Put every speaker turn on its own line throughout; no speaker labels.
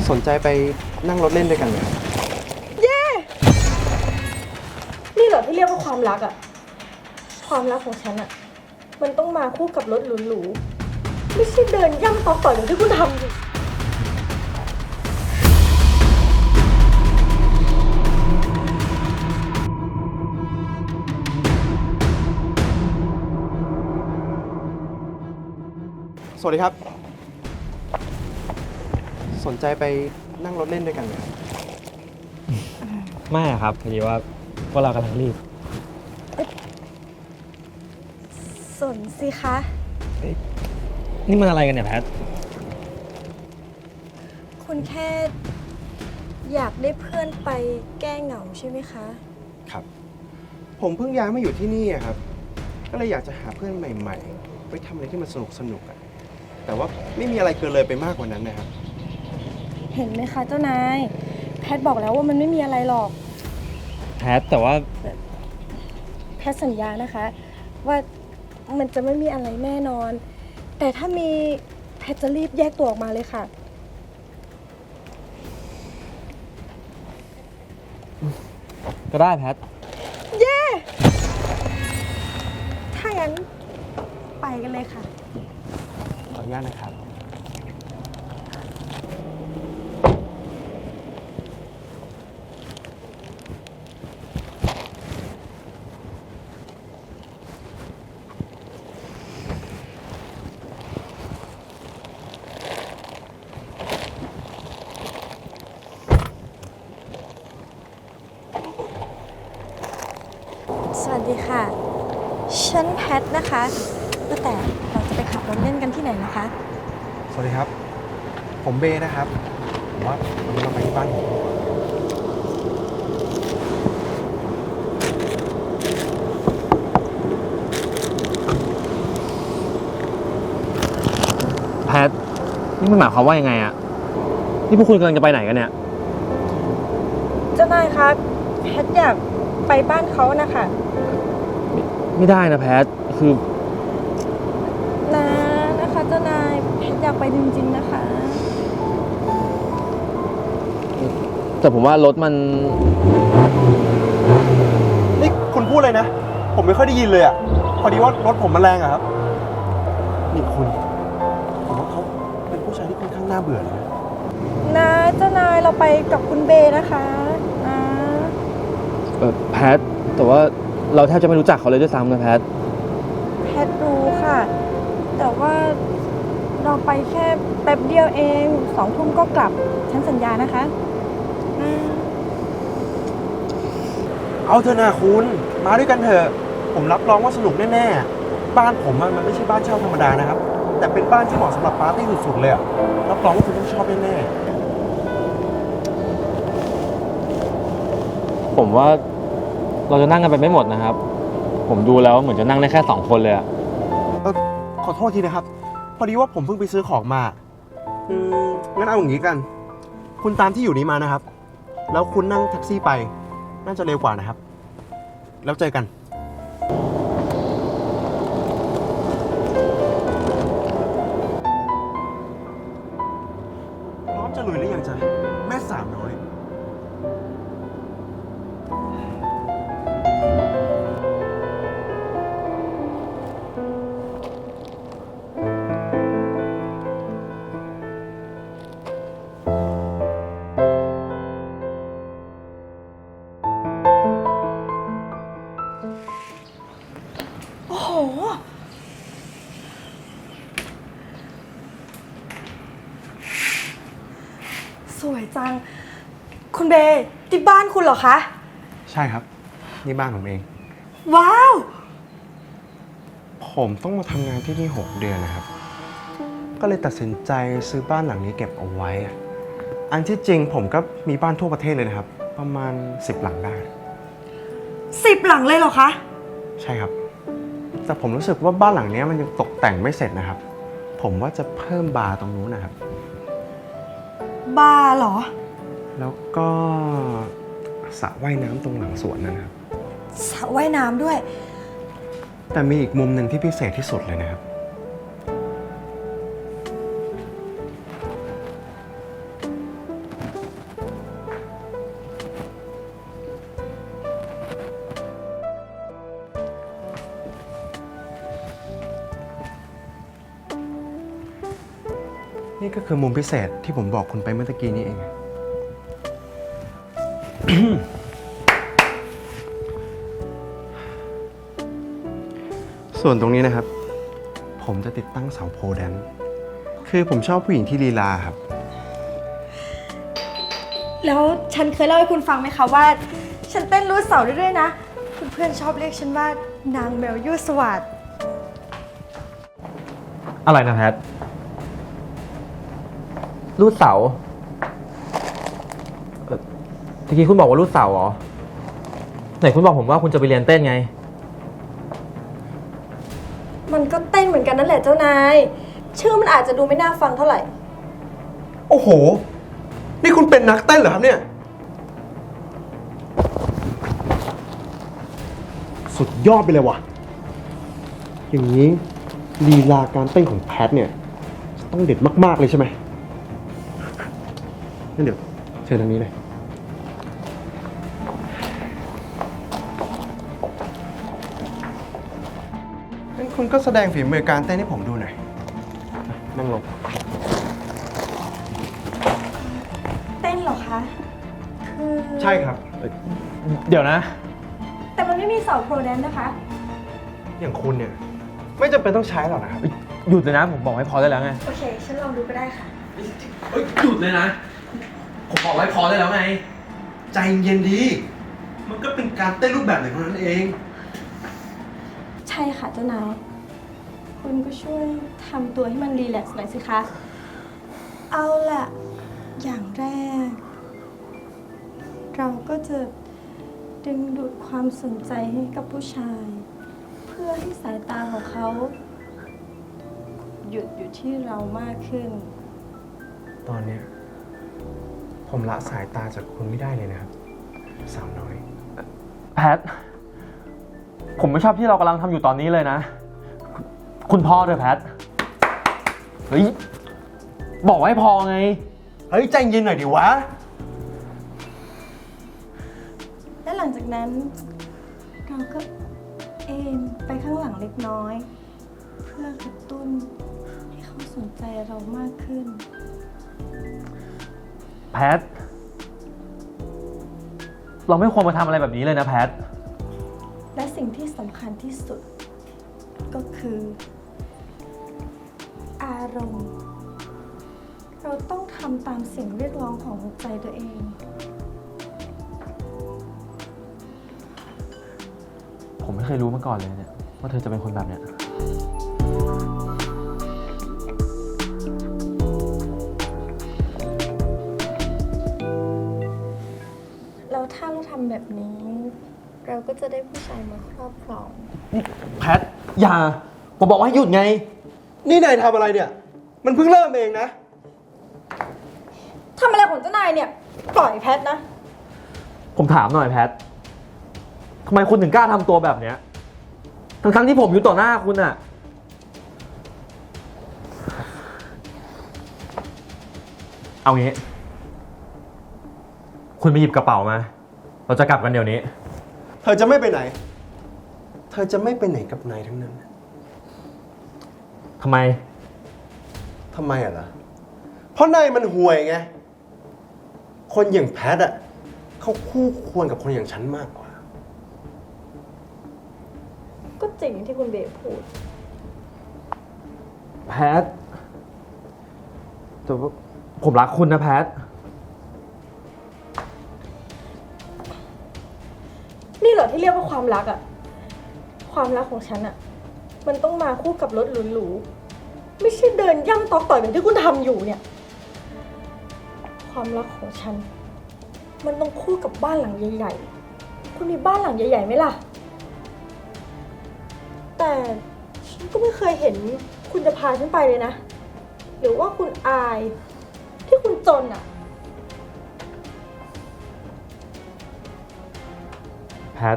สนใจไปนั่งรถเล่นด้วยกันไหมครับ
เย่นี่เหรอที่เรียกว่าความรักอะความรักของฉันอะมันต้องมาคู่กับรถหรูๆไม่ใช่เดินย่ำต่ออย่างที่คุณทำอยู่
สวัสดีครับสนใจไปนั่งรถเล่นด้วยกันไหมครับ
ไม่ครับพอดีว่าพวกเรากำลังรีบ
สนสิคะ
นี่มันอะไรกันเนี่ยแพท
คุณแค่อยากได้เพื่อนไปแก้เหงาใช่ไหมคะ
ครับผมเพิ่งย้ายมาอยู่ที่นี่ครับก็เลยอยากจะหาเพื่อนใหม่ๆไปทำอะไรที่มันสนุกอะแต่ว่าไม่มีอะไรเกินเลยไปมากกว่านั้นนะครับ
เห็นไหมคะเจ้านายแพทบอกแล้วว่ามันไม่มีอะไรหรอก
แพทแต่ว่า
แพทสัญญานะคะว่ามันจะไม่มีอะไรแน่นอน แต่ถ้ามีแพทจะรีบแยกตัวออกมาเลยค่ะ
ก็ได้แพท
เย้ถ้างั้นไปกันเลยค่ะ
ขออนุญาตนะครับ
สวัสดีค่ะฉันแพทนะคะก็แต่เราจะไปขับรถเล่นกันที่ไหนนะคะ
สวัสดีครับผมเบนะครับผมว่าวันนี้เราไปที่บ้านผม
แพทนี่มันหมายความว่ายังไงอะนี่พวกคุณกำลังจะไปไหนกันเนี่ย
เจ้านายคะแพทอยากไปบ้านเขานะคะ
ไม่ได้นะแพทคือ
นะคะเจ้านายแพทอยากไปจริงๆนะคะ
แต่ผมว่ารถมัน
นี่คุณพูดเลยนะผมไม่ค่อยได้ยินเลยอ่ะพอดีว่ารถผมมันแรงอะครับนี่คุณผมว่าเขาเป็นผู้ชายที่ค่อนข้างน่าเบื่อเลย
นะเจ้านายเราไปกับคุณเบนะคะนะ
แพทแต่ว่าเราแทบจะไม่รู้จักเขาเลยด้วยซ้ำนะแพท
แพทรู้ค่ะแต่ว่าเราไปแค่แป๊บเดียวเอง2 ทุ่มก็กลับฉันสัญญานะคะ
เอาเถอะนะคุณมาด้วยกันเถอะผมรับรองว่าสนุกแน่ๆบ้านผมมันไม่ใช่บ้านเช่าธรรมดานะครับแต่เป็นบ้านที่เหมาะสำหรับปาร์ตี้สุดๆเลยอะรับรองว่าคุณต้องชอบแน่
ๆผมว่าเราจะนั่งกันไปไม่หมดนะครับผมดูแล้วเหมือนจะนั่งได้แค่2 คนเลยอะ
ขอโทษทีนะครับพอดีว่าผมเพิ่งไปซื้อของมางั้นเอาอย่างนี้กันคุณตามที่อยู่นี้มานะครับแล้วคุณนั่งแท็กซี่ไปน่าจะเร็วกว่านะครับแล้วเจอกันพร้อมจะลุยหรือยังจ๊ะแม่สาวน้อย
โอ้โหสวยจังคุณเบย์ที่บ้านคุณเหรอคะ
ใช่ครับนี่บ้านผมเอง
ว้าว
ผมต้องมาทำงานที่นี่6 เดือนนะครับก็เลยตัดสินใจซื้อบ้านหลังนี้เก็บเอาไว้อันที่จริงผมก็มีบ้านทั่วประเทศเลยนะครับประมาณ10 หลังได้
10 หลังเลยเหรอคะ
ใช่ครับแต่ผมรู้สึกว่าบ้านหลังนี้มันยังตกแต่งไม่เสร็จนะครับผมว่าจะเพิ่มบาร์ตรงนู้นนะครับ
บาร์เหรอ
แล้วก็สระว่ายน้ำตรงหลังสวนนั่นครับ
สระว่ายน้ำด้วย
แต่มีอีกมุมหนึ่งที่พิเศษที่สุดเลยนะครับนี่ก็คือมุมพิเศษที่ผมบอกคุณไปเมื่อตะกี้นี้เอง ส่วนตรงนี้นะครับ ผมจะติดตั้งเสาโพแดนซ์คือผมชอบผู้หญิงที่ลีลาครับ
แล้วฉันเคยเล่าให้คุณฟังไหมคะว่า ฉันเต้นรูดเสาได้ด้วยนะเพื่อนๆชอบเรียกฉันว่านางแมวยั่วสวัสด
อะไรนะแพทรูดเสาเมื่อกี้คุณบอกว่ารูดเสาเหรอ ไหนคุณบอกผมว่าคุณจะไปเรียนเต้นไง
มันก็เต้นเหมือนกันนั่นแหละเจ้านาย ชื่อมันอาจจะดูไม่น่าฟังเท่าไหร่
โอ้โห นี่คุณเป็นนักเต้นเหรอครับเนี่ย สุดยอดไปเลยว่ะ อย่างนี้ลีลาการเต้นของแพทเนี่ยจะต้องเด็ดมากๆเลยใช่ไหมงั้นเดี๋ยวเชิญทางนี้เลยงั้นคุณก็แสดงฝีมือการเต้นให้ผมดูหน่อย นั่งลง
เต้นเหรอคะคือ
ใช่ครับ
เดี๋ยวนะ
แต่มันไม่มีเสาโปรแดนซ์นะคะ
อย่างคุณเนี่ย ไม่จำเป็นต้องใช้หรอกนะครับ
หยุดเลยนะ ผมบอกให้พอได้แล้วไง
โอเค ฉันลองดูก็ได้ค่ะ
หยุดเลยนะ ผมบอกให้พอได้แล้วไง
ใจเย็นดี มันก็เป็นการเต้นรูปแบบหนึ่งเท่านั้นเอง
ใช่ค่ะเจ้านาย คุณก็ช่วยทำตัวให้มันรีแลกซ์หน่อยสิคะ เอาล่ะ อย่างแรก เราก็จะดึงดูดความสนใจให้กับผู้ชาย เพื่อให้สายตาของเขา หยุดอยู่ที่เรามากขึ้น
ตอนเนี้ยผมละสายตาจากคุณไม่ได้เลยนะครับ สาวน้อย
แพท ผมไม่ชอบที่เรากำลังทำอยู่ตอนนี้เลยนะ คุณพ่อด้วยแพท เฮ้ย บอกให้พอไง
เฮ้ย ใจเย็นหน่อยดิวะ
และหลังจากนั้น เราก็เอนไปข้างหลังเล็กน้อย เพื่อกระตุ้นให้เขาสนใจเรามากขึ้น
แพท เราไม่ควรมาทำอะไรแบบนี้เลยนะแพท
และสิ่งที่สำคัญที่สุด ก็คือ อารมณ์ เราต้องทำตามเสียงเรียกร้องของหัวใจตัวเอง
ผมไม่เคยรู้มาก่อนเลยเนี่ยว่าเธอจะเป็นคนแบบเนี้ย
แล้วถ้าเราทำแบบนี้ เราก็จะได้ผู้ชายมาครอบครอง
แพท อย่า ผมบอกว่าให้หยุดไง
นี่นายทำอะไรเนี่ย มันเพิ่งเริ่มเองนะ
ทำอะไรของเจ้านายเนี่ย ปล่อยแพทนะ
ผมถามหน่อยแพท ทำไมคุณถึงกล้าทำตัวแบบเนี้ย ทั้งที่ผมอยู่ต่อหน้าคุณอะเอางี้ คุณไปหยิบกระเป๋ามา เราจะกลับกันเดี๋ยวนี้
เธอจะไม่ไปไหน เธอจะไม่ไปไหนกับนายทั้งนั้น
ทำไม
ทำไมอ่ะล่ะ เพราะนายมันห่วยไง คนอย่างแพทอ่ะเขาคู่ควรกับคนอย่างฉันมากกว่า
ก็จริงที่คุณเบย์พูด
แพท แต่ว่าผมรักคุณนะแพท
นี่เหรอที่เรียกว่าความรักอะความรักของฉันอะมันต้องมาคู่กับรถหรูๆไม่ใช่เดินย่ำตอกต่อยแบบที่คุณทำอยู่เนี่ย ความรักของฉัน มันต้องคู่กับบ้านหลังใหญ่ๆคุณมีบ้านหลังใหญ่ๆไหมล่ะ แต่ฉันก็ไม่เคยเห็นคุณจะพาฉันไปเลยนะ หรือว่าคุณอายที่คุณจนอะ
แพท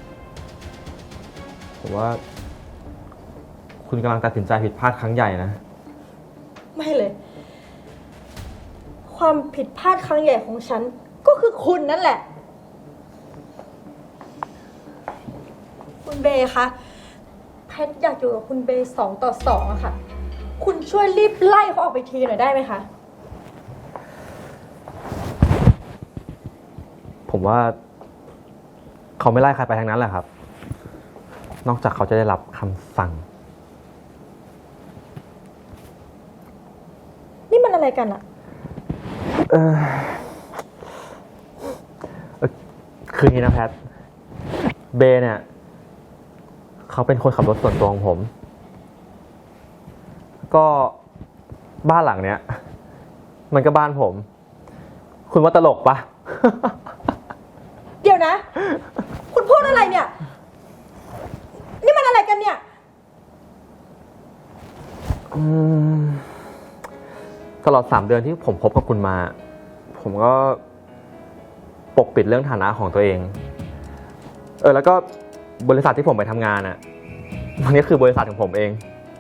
ผมว่า คุณกำลังตัดสินใจผิดพลาดครั้งใหญ่นะ
ไม่เลย ความผิดพลาดครั้งใหญ่ของฉัน ก็คือคุณนั่นแหละ คุณเบย์คะแพทอยากอยู่กับคุณเบย์2 ต่อ 2อะค่ะคุณช่วยรีบไล่เขาออกไปทีหน่อยได้ไหมคะ
ผมว่าเขาไม่ไล่ใครไปทางนั้นแหละครับ นอกจากเขาจะได้รับคำสั่ง
นี่มันอะไรกันอะ
คืออย่างนี้นะแพท เบย์เนี่ย เขาเป็นคนขับรถส่วนตัวของผม ก็บ้านหลังเนี้ย มันก็บ้านผม คุณว่าตลกปะ
เดี๋ยวนะ คุณพูดอะไรเนี่ย นี่มันอะไรกันเนี่ย
ตลอด3 เดือนที่ผมคบกับคุณมา ผมก็ปกปิดเรื่องฐานะของตัวเอง แล้วก็บริษัทที่ผมไปทำงานอ่ะ มันก็คือบริษัทของผมเอง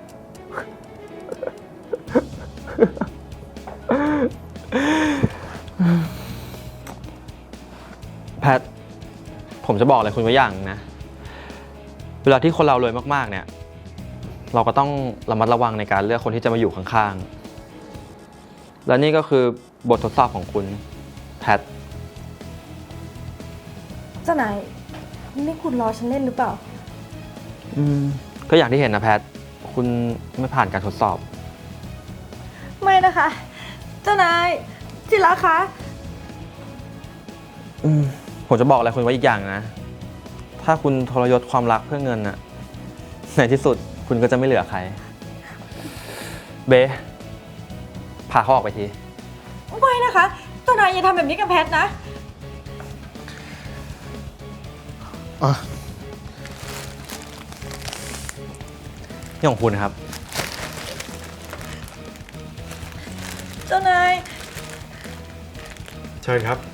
แพท ผมจะบอกอะไรคุณไว้อย่างนะ เวลาที่คนเรารวยมากๆเนี่ย เราก็ต้องระมัดระวังในการเลือกคนที่จะมาอยู่ข้างๆ และนี่ก็คือบททดสอบของคุณแพท
เจ้านายนี่คุณรอฉันเล่นหรือเปล่า
ก็อย่างที่เห็นนะแพท คุณไม่ผ่านการทดสอบ
ไม่นะคะ เจ้านายจิระคะ
ผมจะบอกอะไรคุณไว้อีกอย่างนะ ถ้าคุณทรยศความรักเพื่อเงินน่ะ ในที่สุดคุณก็จะไม่เหลือใคร เบพาเขาออกไปที
ไม่นะคะ เจ้านายอย่าทำแบบนี้กับแพทนะ
นี่ของคุณนะครับ
เจ้านาย
เชิญครับ